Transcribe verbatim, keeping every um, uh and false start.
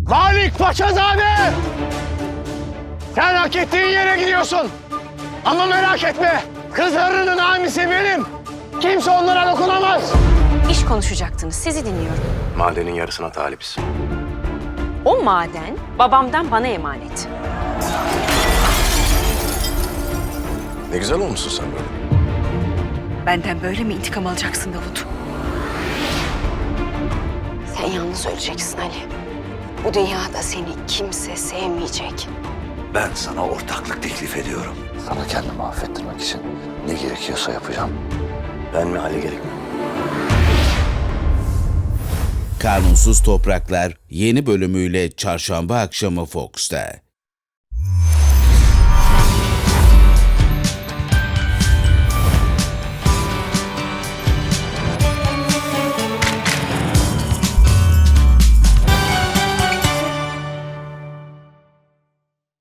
Malik Paşazade! Sen hak ettiğin yere gidiyorsun. Ama merak etme, kızlarının hamisi benim. Kimse onlara dokunamaz. İş konuşacaktınız, sizi dinliyorum. Madenin yarısına talibiz. O maden babamdan bana emanet. Ne güzel olmuşsun sen böyle. Benden böyle mi intikam alacaksın Davut? Sen yalnız öleceksin Ali. Bu dünyada seni kimse sevmeyecek. Ben sana ortaklık teklif ediyorum. Sana kendimi affettirmek için ne gerekiyorsa yapacağım. Ben mi Ali gerek mi? Kanunsuz Topraklar yeni bölümüyle Çarşamba akşamı Fox'ta.